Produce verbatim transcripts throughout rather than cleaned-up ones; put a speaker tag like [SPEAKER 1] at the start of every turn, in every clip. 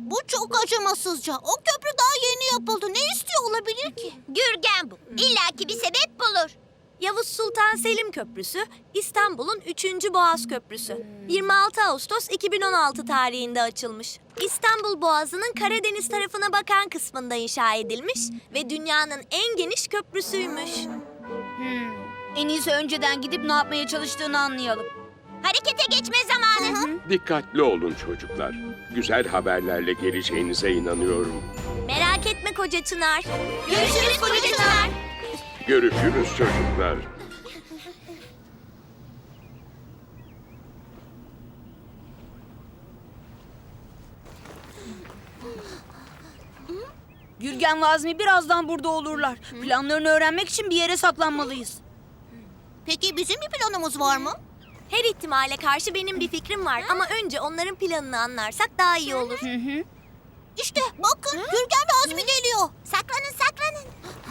[SPEAKER 1] Bu çok acımasızca. O köprü daha yeni yapıldı. Ne istiyor olabilir ki?
[SPEAKER 2] Gürgen bu. İlla ki bir sebep bulur.
[SPEAKER 3] Yavuz Sultan Selim Köprüsü, İstanbul'un üçüncü Boğaz Köprüsü. yirmi altı Ağustos iki bin on altı tarihinde açılmış. İstanbul Boğazı'nın Karadeniz tarafına bakan kısmında inşa edilmiş ve dünyanın en geniş köprüsüymüş.
[SPEAKER 4] En iyisi önceden gidip ne yapmaya çalıştığını anlayalım.
[SPEAKER 2] Harekete geçme zamanı.
[SPEAKER 5] Dikkatli olun çocuklar. Güzel haberlerle geleceğinize inanıyorum.
[SPEAKER 3] Merak etme koca Çınar.
[SPEAKER 2] Görüşürüz kocacılar.
[SPEAKER 5] Görüşürüz çocuklar.
[SPEAKER 4] Gürgen ve Azmi birazdan burada olurlar. Planlarını öğrenmek için bir yere saklanmalıyız.
[SPEAKER 1] Peki bizim bir planımız var mı?
[SPEAKER 3] Her ihtimale karşı benim bir fikrim var ama önce onların planını anlarsak daha iyi olur.
[SPEAKER 1] İşte bakın Gürgen ve Azmi geliyor.
[SPEAKER 2] Saklanın saklanın.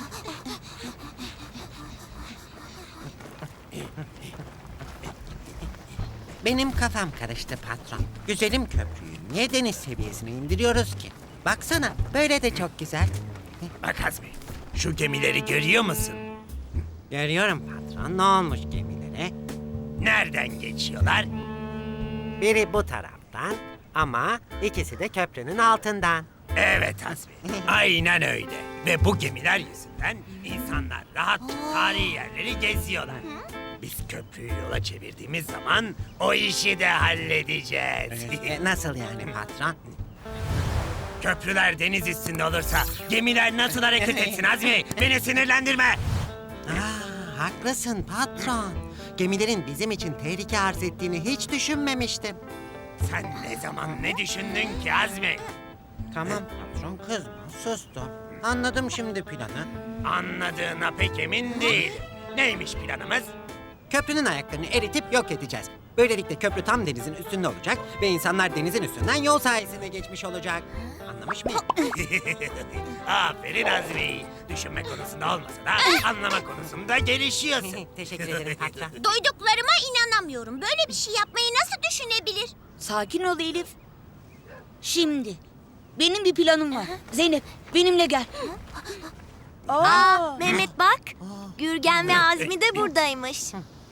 [SPEAKER 6] Benim kafam karıştı patron. Güzelim köprüyü niye deniz seviyesine indiriyoruz ki? Baksana böyle de çok güzel.
[SPEAKER 7] Bak Azmi, şu gemileri görüyor musun?
[SPEAKER 6] Görüyorum patron, ne olmuş gemilere?
[SPEAKER 7] Nereden geçiyorlar?
[SPEAKER 6] Biri bu taraftan ama ikisi de köprünün altından.
[SPEAKER 7] Evet Azmi, aynen öyle. Ve bu gemiler yüzünden insanlar rahatça tarihi yerleri geziyorlar. Biz köprüyü yola çevirdiğimiz zaman o işi de halledeceğiz.
[SPEAKER 6] E, nasıl yani patron?
[SPEAKER 7] Köprüler deniz üstünde olursa gemiler nasıl hareket etsin Azmi? Beni sinirlendirme.
[SPEAKER 6] Aa, haklısın patron. Gemilerin bizim için tehlike arz ettiğini hiç düşünmemiştim.
[SPEAKER 7] Sen ne zaman ne düşündün ki Azmi?
[SPEAKER 6] Tamam patron, kızma, sustum. Anladım şimdi planı.
[SPEAKER 7] Anladığına pek emin değilim. Neymiş planımız?
[SPEAKER 6] Köprünün ayaklarını eritip yok edeceğiz. Böylelikle köprü tam denizin üstünde olacak ve insanlar denizin üstünden yol sayesinde geçmiş olacak. Anlamış mıyım?
[SPEAKER 7] Aferin Azmi. Düşünme konusunda olmasa da anlama konusunda gelişiyorsun.
[SPEAKER 6] Teşekkür ederim patron.
[SPEAKER 2] Duyduklarıma inanamıyorum. Böyle bir şey yapmayı nasıl düşünebilir?
[SPEAKER 4] Sakin ol Elif. Şimdi benim bir planım var. Zeynep benimle gel.
[SPEAKER 3] Aa, Mehmet bak. Gürgen ve Azmi de buradaymış.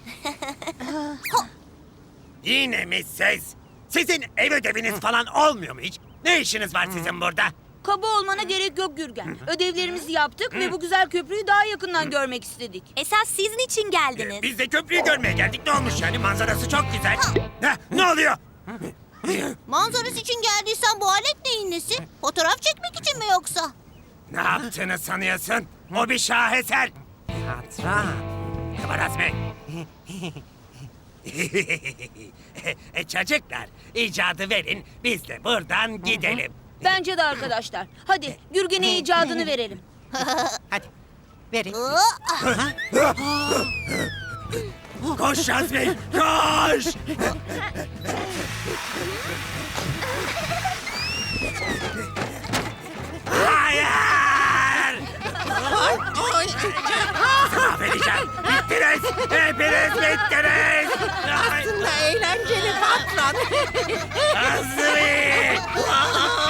[SPEAKER 7] Yine mi siz? Sizin ev ödeviniz falan olmuyor mu hiç? Ne işiniz var sizin burada?
[SPEAKER 4] Kaba olmana gerek yok Gürgen. Ödevlerimizi yaptık ve bu güzel köprüyü daha yakından görmek istedik.
[SPEAKER 3] Esas siz niçin geldiniz?
[SPEAKER 7] Biz de köprüyü görmeye geldik. Ne olmuş yani? Manzarası çok güzel. Heh, ne oluyor?
[SPEAKER 1] Manzarası için geldiysen bu alet neyin nesi? Fotoğraf çekmek için mi yoksa?
[SPEAKER 7] Ne yaptığını sanıyorsun? O bir şaheser.
[SPEAKER 6] Patron.
[SPEAKER 7] Ne var Azmi? e, çocuklar, icadı verin. Biz de buradan gidelim.
[SPEAKER 4] Bence de arkadaşlar. Hadi Gürgen'e icadını verelim.
[SPEAKER 6] Hadi verin.
[SPEAKER 7] Koş Azmi, koş! Hayır! Mahvedeceğim! Bittiniz! Hepiniz bittiniz!
[SPEAKER 6] Aslında eğlenceli patron.
[SPEAKER 7] Azmi!